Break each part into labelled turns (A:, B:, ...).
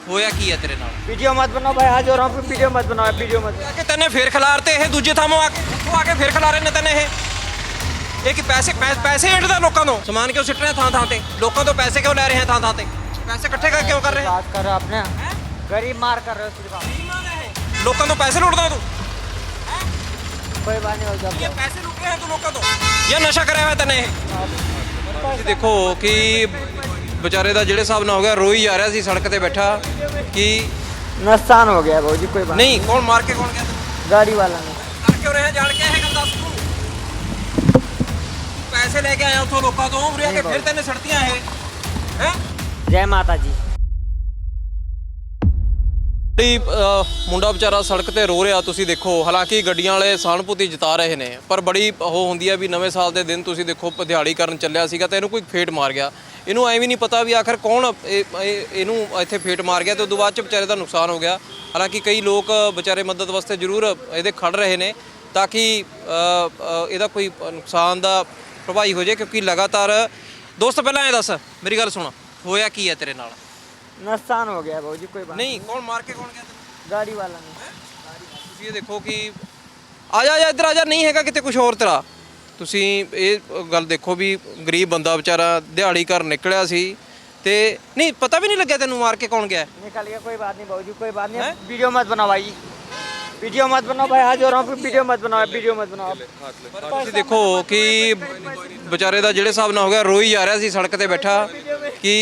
A: ਹੋਇਆ ਕੀ ਹੈ ਤੇਰੇ ਨਾਲ?
B: वीडियो मत बनाओ भाई, आज हो रहा हूँ, वीडियो मत बनाओ, वीडियो मत बनाओ।
A: ਕਿ ਤੈਨੇ ਫੇਰ ਖਿਲਾਰਤੇ ਇਹ ਦੂਜੇ ਥਾਂ ਆ ਕੇ ਉੱਥੋਂ ਆ ਕੇ ਫੇਰ ਖਿਲਾਰੇ ਨੇ ਤੈਨੇ ਇਹ ਕਿ ਪੈਸੇ ਏਡਦਾ ਲੋਕਾਂ ਤੋਂ ਸਮਾਨ ਕਿਉਂ ਸਿੱਟ ਰਹੇ ਥਾਂ ਤੇ ਲੋਕਾਂ ਤੋਂ ਪੈਸੇ ਕਿਉਂ ਲੈ ਰਹੇ ਥਾਂ ਤੇ ਪੈਸੇ ਇਕੱਠੇ ਕਰ ਕਿਉਂ ਕਰ ਰਹੇ
B: बात कर रहे हो आपने, गरीब मार कर रहे हो सिर्फ आप।
A: ਲੋਕਾਂ ਤੋਂ ਪੈਸੇ ਲੁੱਟਦਾ ਤੂੰ
B: कोई बात नहीं हो
A: ਇਹ
B: जाए।
A: ਪੈਸੇ ਲੁੱਟ ਰਿਹਾ ਤੂੰ ਲੋਕਾਂ ਤੋਂ ਜਾਂ ਨਸ਼ਾ ਕਰਿਆ ਹੋਇਆ ਤੈਨੇ ਤੁਸੀਂ ਦੇਖੋ ਕਿ ਵਿਚਾਰੇ ਦਾ ਜਿਹੜੇ ਹਿਸਾਬ ਨਾਲ ਹੋ ਗਿਆ ਰੋਈ ਜਾ ਰਿਹਾ ਸੀ ਸੜਕ ਤੇ ਬੈਠਾ ਕਿ
B: नुकसान हो गया भाजी, कोई बात
A: ਨਹੀਂ ਕੌਣ ਮਾਰ ਕੇ ਕੌਣ ਗਿਆ
B: गाड़ी वाला ने।
A: ਕਰ ਕਿਉਂ ਰਿਹਾ ਜਾਣ ਕੇ ਇਹ ਗੱਲ ਦੱਸ ਤੂੰ ਪੈਸੇ ਲੈ ਕੇ ਆਇਆ ਉੱਥੋਂ ਲੋਕਾਂ ਤੋਂ ਉਰੇ ਆ ਕੇ ਫਿਰ ਤੈਨੇ ਸੜਤੀਆਂ ਇਹ ਹੈ
B: जय माता जी।
A: ਮੁੰਡਾ ਵਿਚਾਰਾ ਸੜਕ ਤੇ ਰੋ ਰਿਹਾ ਤੁਸੀਂ ਦੇਖੋ ਹਾਲਾਂਕਿ ਗੱਡੀਆਂ ਵਾਲੇ ਸਹਾਨੁਭੂਤੀ ਜਤਾ ਰਹੇ ਨੇ ਪਰ ਬੜੀ ਉਹ ਹੁੰਦੀ ਹੈ ਵੀ ਨਵੇਂ ਸਾਲ ਦੇ ਦਿਨ ਤੁਸੀਂ ਦੇਖੋ ਦਿਹਾੜੀ ਕਰਨ ਚੱਲਿਆ ਸੀਗਾ ਤੇ ਇਹਨੂੰ ਕੋਈ ਫੇਟ ਮਾਰ ਗਿਆ ਇਹਨੂੰ ਐਵੇਂ ਨਹੀਂ ਪਤਾ ਵੀ ਆਖਰ ਕੌਣ ਇਹਨੂੰ ਇੱਥੇ ਫੇਟ ਮਾਰ ਗਿਆ ਤੇ ਉਦੋਂ ਬਾਅਦ ਚ ਵਿਚਾਰੇ ਦਾ ਨੁਕਸਾਨ ਹੋ ਗਿਆ ਹਾਲਾਂਕਿ ਕਈ ਲੋਕ ਵਿਚਾਰੇ ਮਦਦ ਵਾਸਤੇ ਜ਼ਰੂਰ ਇਹਦੇ ਖੜ ਰਹੇ ਨੇ ਤਾਂ ਕਿ ਇਹਦਾ ਕੋਈ ਨੁਕਸਾਨ ਦਾ ਭਰਪਾਈ ਹੋ ਜਾਏ ਕਿਉਂਕਿ ਲਗਾਤਾਰ ਦੋਸਤ ਪਹਿਲਾਂ ਇਹ ਦੱਸ ਮੇਰੀ ਗੱਲ ਸੁਣ ਹੋਇਆ ਕੀ ਹੈ ਤੇਰੇ ਨਾਲ
B: नुकसान हो गया भाजी, कोई बात
A: ਨਹੀਂ ਕੌਣ ਮਾਰ ਕੇ ਕੌਣ ਗਿਆ ਤੈਨੂੰ
B: गाड़ी वाला ने।
A: ਤੁਸੀਂ ਇਹ ਦੇਖੋ ਕਿ ਆ ਜਾ ਇੱਧਰ ਆ ਜਾ ਨਹੀਂ ਹੈਗਾ ਕਿਤੇ ਕੁਝ ਹੋਰ ਤੇਰਾ ਤੁਸੀਂ ਇਹ ਗੱਲ ਦੇਖੋ ਵੀ ਗਰੀਬ ਬੰਦਾ ਵਿਚਾਰਾ ਦਿਹਾੜੀ ਕਰਨ ਨਿਕਲਿਆ ਸੀ ਤੇ ਨਹੀਂ ਪਤਾ ਵੀ ਨਹੀਂ ਲੱਗਿਆ ਤੈਨੂੰ ਮਾਰ ਕੇ ਕੌਣ ਗਿਆ
B: निकल गया, कोई बात नहीं भाजी, कोई बात नहीं। वीडियो मत बनाओ भाई, वीडियो मत बनाओ भाई, आज हो रहा हूँ, वीडियो मत बनाओ, वीडियो मत बनाओ।
A: ਤੁਸੀਂ ਦੇਖੋ ਕਿ ਵਿਚਾਰੇ ਦਾ ਜਿਹੜੇ ਹਿਸਾਬ ਨਾਲ ਹੋ ਗਿਆ ਰੋਈ ਜਾ ਰਿਹਾ ਸੀ ਸੜਕ ਤੇ ਬੈਠਾ ਕਿ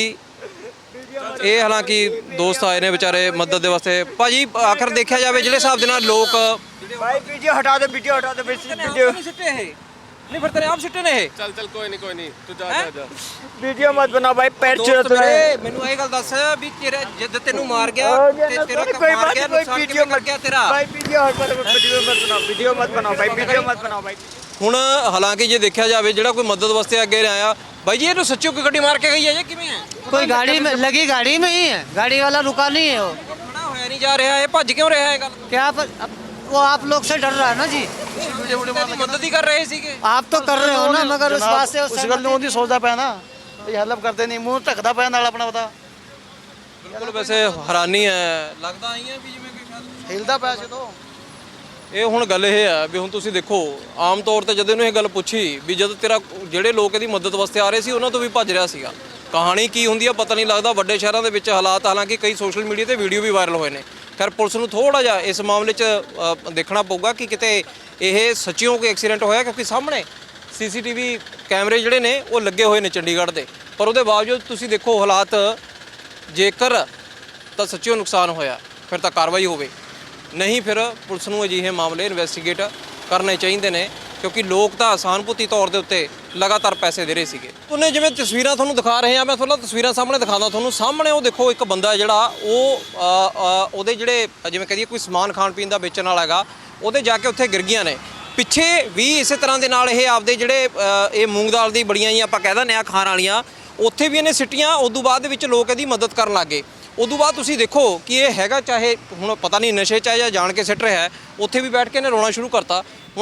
A: ਇਹ ਹਾਲਾਂਕਿ ਦੋਸਤ ਆਏ ਨੇ ਵਿਚਾਰੇ ਮਦਦ ਦੇ ਵਾਸਤੇ ਭਾਜੀ ਆਖਰ ਦੇਖਿਆ ਜਾਵੇ ਜਿਹੜੇ ਹਿਸਾਬ ਦੇ ਨਾਲ ਲੋਕ
B: भाई वीडियो हटा दो, वीडियो हटा दो, वीडियो
A: ਸਿੱਟੇ ਇਹ ਨਹੀਂ ਫਿਰ ਤੇਰੇ ਆਪ ਸਿੱਟੇ ਨੇ ਇਹ
C: चल चल कोई नहीं तू जा जा
B: वीडियो मत बनाओ भाई, पैर
A: ਦੋਸਤ
B: चुरा
A: ਮੇਰੇ ਮੈਨੂੰ ਇਹ ਗੱਲ ਦੱਸ ਵੀ ਤੇਰਾ ਜਿੱਦ ਤੈਨੂੰ ਮਾਰ ਗਿਆ ਤੇ ਤੇਰਾ
B: कोई
A: ਮਾਰ
B: बात
A: ਗਿਆ
B: नहीं, कोई
A: ਨੁਕਸਾਨ
B: वीडियो
A: ਕਿਵੇਂ ਕਰ
B: मत
A: ਗਿਆ ਤੇਰਾ
B: भाई, वीडियो मत बनाओ, वीडियो मत बनाओ भाई, वीडियो मत बनाओ भाई।
A: ਹੁਣ ਹਾਲਾਂकि ਜੇ ਦੇਖਿਆ ਜਾਵੇ ਜਿਹੜਾ ਕੋਈ ਮਦਦ ਵਾਸਤੇ ਅੱਗੇ ਆਇਆ ਬਾਈ ਜੀ ਇਹਨੂੰ ਸੱਚੋ ਕੋਈ ਗੱਡੀ ਮਾਰ ਕੇ ਗਈ ਹੈ ਜੇ ਕਿਵੇਂ ਹੈ
D: कोई गाड़ी में लगी, गाड़ी में ही है, गाड़ी वाला रुका नहीं है वो।
A: ਖੜਾ ਹੋਇਆ ਨਹੀਂ ਜਾ ਰਿਹਾ ਇਹ ਭੱਜ ਕਿਉਂ ਰਿਹਾ ਇਹ ਗੱਲ
D: क्या वो आप लोग से डर रहा है ना जी।
A: ਤੇਰੀ ਮਦਦ ਹੀ ਕਰ ਰਹੇ ਸੀਗੇ
D: आप तो कर रहे हो ना मगर उस बात से
E: ਉਸ ਗੱਲ ਨੂੰ ਉਹਦੀ ਸੋਚਦਾ ਪਿਆ ਨਾ ਇਹ ਹੈਲਪ ਕਰਦੇ ਨਹੀਂ ਮੂੰਹ ਢੱਕਦਾ ਪਿਆ ਨਾਲ ਆਪਣਾ ਪਤਾ
A: ਬਿਲਕੁਲ ਵੈਸੇ ਹੈਰਾਨੀ ਹੈ ਲੱਗਦਾ ਆਈ ਹੈ ਵੀ ਜਿਵੇਂ ਕੋਈ ਸ਼ਾਇਦ
E: ਹਿਲਦਾ ਪਿਆ ਜਦੋਂ
A: ਇਹ ਹੁਣ ਗੱਲ ਇਹ ਹੈ ਵੀ ਹੁਣ ਤੁਸੀਂ ਦੇਖੋ ਆਮ ਤੌਰ ਤੇ ਜਦੋਂ ਇਹਨੂੰ ਇਹ ਗੱਲ ਪੁੱਛੀ ਵੀ ਜਦ ਤੇਰਾ ਜਿਹੜੇ ਲੋਕ ਇਹਦੀ ਮਦਦ ਵਾਸਤੇ ਆ ਰਹੇ ਸੀ ਉਹਨਾਂ ਤੋਂ ਵੀ ਭੱਜ ਰਿਹਾ ਸੀਗਾ ਕਹਾਣੀ ਕੀ ਹੁੰਦੀ ਆ ਪਤਾ ਨਹੀਂ ਲੱਗਦਾ ਵੱਡੇ ਸ਼ਹਿਰਾਂ ਦੇ ਵਿੱਚ ਹਾਲਾਤ ਹਾਲਾਂਕਿ ਕਈ ਸੋਸ਼ਲ ਮੀਡੀਆ ਤੇ ਵੀਡੀਓ ਵੀ ਵਾਇਰਲ ਹੋਏ ਨੇ ਖੈਰ ਪੁਲਿਸ ਨੂੰ ਥੋੜਾ ਜਿਹਾ ਇਸ ਮਾਮਲੇ 'ਚ ਦੇਖਣਾ ਪਊਗਾ ਕਿ ਕਿਤੇ ਇਹ ਸੱਚਿਓ ਕੋਈ ਐਕਸੀਡੈਂਟ ਹੋਇਆ ਕਿਉਂਕਿ ਸਾਹਮਣੇ ਸੀਸੀਟੀਵੀ ਕੈਮਰੇ ਜਿਹੜੇ ਨੇ ਉਹ ਲੱਗੇ ਹੋਏ ਨੇ ਚੰਡੀਗੜ੍ਹ ਦੇ ਪਰ ਉਹਦੇ ਬਾਵਜੂਦ ਤੁਸੀਂ ਦੇਖੋ ਹਾਲਾਤ ਜੇਕਰ ਤਾਂ ਸੱਚਿਓ ਨੁਕਸਾਨ ਹੋਇਆ ਫਿਰ ਤਾਂ ਕਾਰਵਾਈ ਹੋਵੇ ਨਹੀਂ ਫਿਰ ਪੁਲਿਸ ਨੂੰ ਅਜਿਹੇ ਮਾਮਲੇ ਇਨਵੈਸਟੀਗੇਟ ਕਰਨੇ ਚਾਹੀਦੇ ਨੇ ਕਿਉਂਕਿ ਲੋਕ ਤਾਂ ਸਹਾਨੁਭੂਤੀ ਤੌਰ ਦੇ ਉੱਤੇ ਲਗਾਤਾਰ ਪੈਸੇ ਦੇ ਰਹੇ ਸੀਗੇ ਉਹਨੇ ਜਿਵੇਂ ਤਸਵੀਰਾਂ ਤੁਹਾਨੂੰ ਦਿਖਾ ਰਹੇ ਆ ਮੈਂ ਤੁਹਾਨੂੰ ਤਸਵੀਰਾਂ ਸਾਹਮਣੇ ਦਿਖਾਉਂਦਾ ਤੁਹਾਨੂੰ ਸਾਹਮਣੇ ਉਹ ਦੇਖੋ ਇੱਕ ਬੰਦਾ ਜਿਹੜਾ ਉਹ ਉਹਦੇ ਜਿਹੜੇ ਜਿਵੇਂ ਕਹੀਏ ਕੋਈ ਸਮਾਨ ਖਾਣ ਪੀਣ ਦਾ ਵੇਚਣ ਵਾਲਾ ਹੈਗਾ ਉਹਦੇ ਜਾ ਕੇ ਉੱਥੇ ਗਿਰ ਗਈਆਂ ਨੇ ਪਿੱਛੇ ਵੀ ਇਸੇ ਤਰ੍ਹਾਂ ਦੇ ਨਾਲ ਇਹ ਆਪਦੇ ਜਿਹੜੇ ਇਹ ਮੂੰਗ ਦਾਲ ਦੀ ਬੜੀਆਂ ਹੀ ਆਪਾਂ ਕਹਿ ਦਿੰਦੇ ਆ ਖਾਣ ਵਾਲੀਆਂ ਉੱਥੇ ਵੀ ਇਹਨੇ ਸਿੱਟੀਆਂ ਉਦੋਂ ਬਾਅਦ ਦੇ ਵਿੱਚ ਲੋਕ ਇਹਦੀ ਮਦਦ ਕਰਨ ਲੱਗੇ ਉਦੋਂ ਬਾਅਦ ਤੁਸੀਂ ਦੇਖੋ ਕਿ ਇਹ ਹੈਗਾ ਚਾਹੇ ਹੁਣ ਪਤਾ ਨਹੀਂ ਨਸ਼ੇ 'ਚ ਹੈ ਜਾਂ ਜਾਣ ਕੇ ਸਿੱਟ ਰਿਹਾ ਹੈ ਉੱਥੇ ਵੀ ਬੈਠ ਕੇ ਇਹਨੇ ਰੋਣਾ ਸ਼ੁਰੂ ਕਰਤਾ ਹੁਣ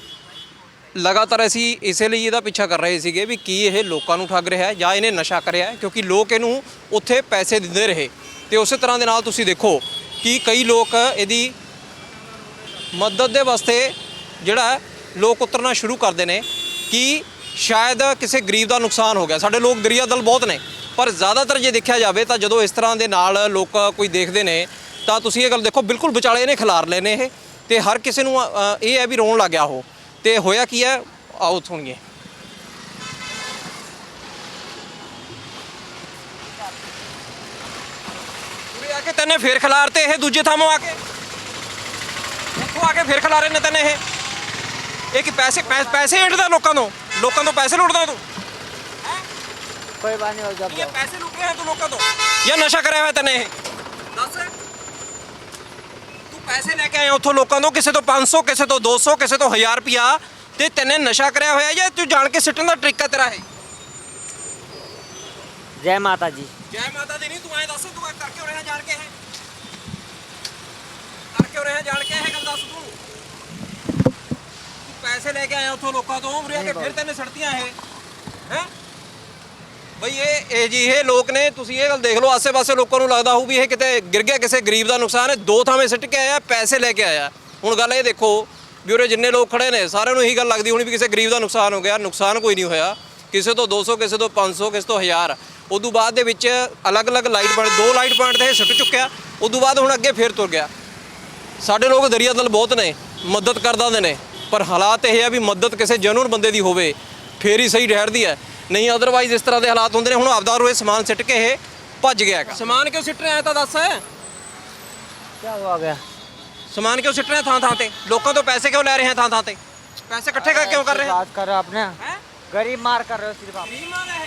A: ਲਗਾਤਾਰ ਅਸੀਂ ਇਸੇ ਲਈ ਇਹਦਾ ਪਿੱਛਾ ਕਰ ਰਹੇ ਸੀਗੇ ਵੀ ਕੀ ਇਹ ਲੋਕਾਂ ਨੂੰ ਠੱਗ ਰਿਹਾ ਹੈ ਜਾਂ ਇਹਨੇ ਨਸ਼ਾ ਕਰਿਆ ਹੈ ਕਿਉਂਕਿ ਲੋਕ ਇਹਨੂੰ ਉੱਥੇ ਪੈਸੇ ਦਿੰਦੇ ਰਹੇ ਤੇ ਉਸੇ ਤਰ੍ਹਾਂ ਦੇ ਨਾਲ ਤੁਸੀਂ ਦੇਖੋ ਕਿ ਕਈ ਲੋਕ ਇਹਦੀ ਮਦਦ ਦੇ ਵਾਸਤੇ ਜਿਹੜਾ ਲੋਕ ਉਤਰਨਾ ਸ਼ੁਰੂ ਕਰਦੇ ਨੇ ਕਿ ਸ਼ਾਇਦ ਕਿਸੇ ਗਰੀਬ ਦਾ ਨੁਕਸਾਨ ਹੋ ਗਿਆ ਸਾਡੇ ਲੋਕ ਦਰਿਆ ਦਲ ਬਹੁਤ ਨੇ ਪਰ ਜ਼ਿਆਦਾਤਰ ਜੇ ਦੇਖਿਆ ਜਾਵੇ ਤਾਂ ਜਦੋਂ ਇਸ ਤਰ੍ਹਾਂ ਦੇ ਨਾਲ ਲੋਕ ਕੋਈ ਦੇਖਦੇ ਨੇ ਤਾਂ ਤੁਸੀਂ ਇਹ ਗੱਲ ਦੇਖੋ ਬਿਲਕੁਲ ਵਿਚਾਲੇ ਇਹਨੇ ਖਿਲਾਰ ਲਏ ਨੇ ਇਹ ਤੇ ਹਰ ਕਿਸੇ ਨੂੰ ਇਹ ਹੈ ਵੀ ਰੋਣ ਲੱਗ ਗਿਆ ਉਹ ਤੇ ਹੋਇਆ ਕੀ ਹੈ ਆਓ ਸੁਣੀਏ ਉਰੇ ਆ ਕੇ ਤੈਨੇ ਫੇਰ ਖਿਲਾਰਤੇ ਇਹ ਦੂਜੇ ਥਾਂ ਆ ਕੇ ਉੱਥੋਂ ਆ ਕੇ ਫੇਰ ਖਿਲਾਰੇ ਨੇ ਤੈਨੇ ਇਹ ਕਿ ਪੈਸੇ ਏਡਦਾ ਲੋਕਾਂ ਤੋਂ ਪੈਸੇ ਲੁੱਟਦਾ ਤੂੰ
B: कोई बात नहीं हो
A: ਇਹ
B: जाए।
A: ਪੈਸੇ ਲੁੱਟ ਰਿਹਾ ਤੂੰ ਲੋਕਾਂ ਤੋਂ ਜਾਂ ਨਸ਼ਾ ਕਰਿਆ ਹੋਇਆ ਤੈਨੇ ਇਹ ਦੱਸ ਤੂੰ ਪੈਸੇ ਲੈ ਕੇ ਆਇਆ ਉੱਥੋਂ ਲੋਕਾਂ ਤੋਂ ਕਿਸੇ ਤੋਂ 500 ਕਿਸੇ ਤੋਂ 200 ਕਿਸੇ ਤੋਂ 1000 ਰੁਪਿਆ ਤੇ ਤੈਨੇ ਨਸ਼ਾ ਕਰਿਆ ਹੋਇਆ ਜਾਂ ਤੂੰ ਜਾਣ ਕੇ ਸਿੱਟਣ ਦਾ ਟ੍ਰਿਕ ਹੈ ਤੇਰਾ ਇਹ
B: जय माता जी।
A: ਜੈ ਮਾਤਾ ਦੀ ਨਹੀਂ ਤੂੰ ਐ ਦੱਸ ਤੂੰ ਕਰ ਕਿਉਂ ਰਿਹਾ ਜਾਣ ਕੇ ਇਹ ਕਰ ਕਿਉਂ ਰਿਹਾ ਜਾਣ ਕੇ ਇਹ ਗੱਲ ਦੱਸ ਤੂੰ ਪੈਸੇ ਲੈ ਕੇ ਆਇਆ ਉੱਥੋਂ ਲੋਕਾਂ ਤੋਂ ਉਰੇ ਆ ਕੇ ਫਿਰ ਤੈਨੇ ਸੜਤੀਆਂ ਇਹ ਹੈ ਬਈ ਇਹ ਲੋਕ ਨੇ, ਤੁਸੀਂ ਇਹ ਗੱਲ ਦੇਖ ਲਓ, ਆਸੇ-ਪਾਸੇ ਲੋਕਾਂ ਨੂੰ ਲੱਗਦਾ ਹੋਊ ਵੀ ਇਹ ਕਿਤੇ ਗਿਰ ਗਿਆ, ਕਿਸੇ ਗਰੀਬ ਦਾ ਨੁਕਸਾਨ ਹੈ। 2 ਥਾਵੇਂ ਸਿੱਟ ਕੇ ਆਇਆ, ਪੈਸੇ ਲੈ ਕੇ ਆਇਆ। ਹੁਣ ਗੱਲ ਇਹ ਦੇਖੋ ਵੀ ਉਰੇ ਜਿੰਨੇ ਲੋਕ ਖੜੇ ਨੇ ਸਾਰਿਆਂ ਨੂੰ ਇਹੀ ਗੱਲ ਲੱਗਦੀ ਹੋਣੀ ਵੀ ਕਿਸੇ ਗਰੀਬ ਦਾ ਨੁਕਸਾਨ ਹੋ ਗਿਆ। ਨੁਕਸਾਨ ਕੋਈ ਨਹੀਂ ਹੋਇਆ, ਕਿਸੇ ਤੋਂ 200, ਕਿਸੇ ਤੋਂ 500, ਕਿਸੇ ਤੋਂ 1000। ਉਦੋਂ ਬਾਅਦ ਦੇ ਵਿੱਚ ਅਲੱਗ-ਅਲੱਗ ਲਾਈਟ ਪੁਆਇੰਟ, 2 ਲਾਈਟ ਪੁਆਇੰਟ ਤੇ ਇਹ ਸੁੱਟ ਚੁੱਕਿਆ। ਉਦੋਂ ਬਾਅਦ ਹੁਣ ਅੱਗੇ ਫੇਰ ਤੁਰ ਗਿਆ। ਸਾਡੇ ਲੋਕ ਦਰਿਆ ਦਿਲ ਬਹੁਤ ਨੇ, ਮਦਦ ਕਰ ਦਿੰਦੇ ਨੇ, ਪਰ ਹਾਲਾਤ ਇਹ ਆ ਵੀ ਮਦਦ ਕਿਸੇ ਜੈਨੂਨ ਬੰਦੇ ਦੀ ਹੋਵੇ ਫੇਰ ਹੀ ਸਹੀ ਠਹਿਰਦੀ ਹੈ, ਨਹੀਂ ਅਦਰਵਾਈਜ਼ ਇਸ ਤਰ੍ਹਾਂ ਦੇ ਹਾਲਾਤ ਹੁੰਦੇ ਨੇ। ਹੁਣ ਆਪਦਾ ਰੋਏ ਸਮਾਨ ਸਿੱਟ ਕੇ ਇਹ ਭੱਜ ਗਿਆ ਹੈਗਾ। ਸਮਾਨ ਕਿਉਂ ਸਿੱਟ ਰਿਹਾ ਤਾਂ ਦੱਸ।
B: क्या हुआ गया?
A: ਸਮਾਨ ਕਿਉਂ ਸਿੱਟ ਰਿਹਾ ਥਾਂ ਤੇ? ਲੋਕਾਂ ਤੋਂ ਪੈਸੇ ਕਿਉਂ ਲੈ ਰਹੇ ਹੈ ਥਾਂ ਤੇ? ਪੈਸੇ ਇਕੱਠੇ ਕਰ ਕਿਉਂ ਕਰ ਰਹੇ
B: बात कर रहे हो आपने?
A: हैं?
B: गरीब मार कर रहे हो सिर्फ आप।
A: ਗਰੀਬ ਮਾਰ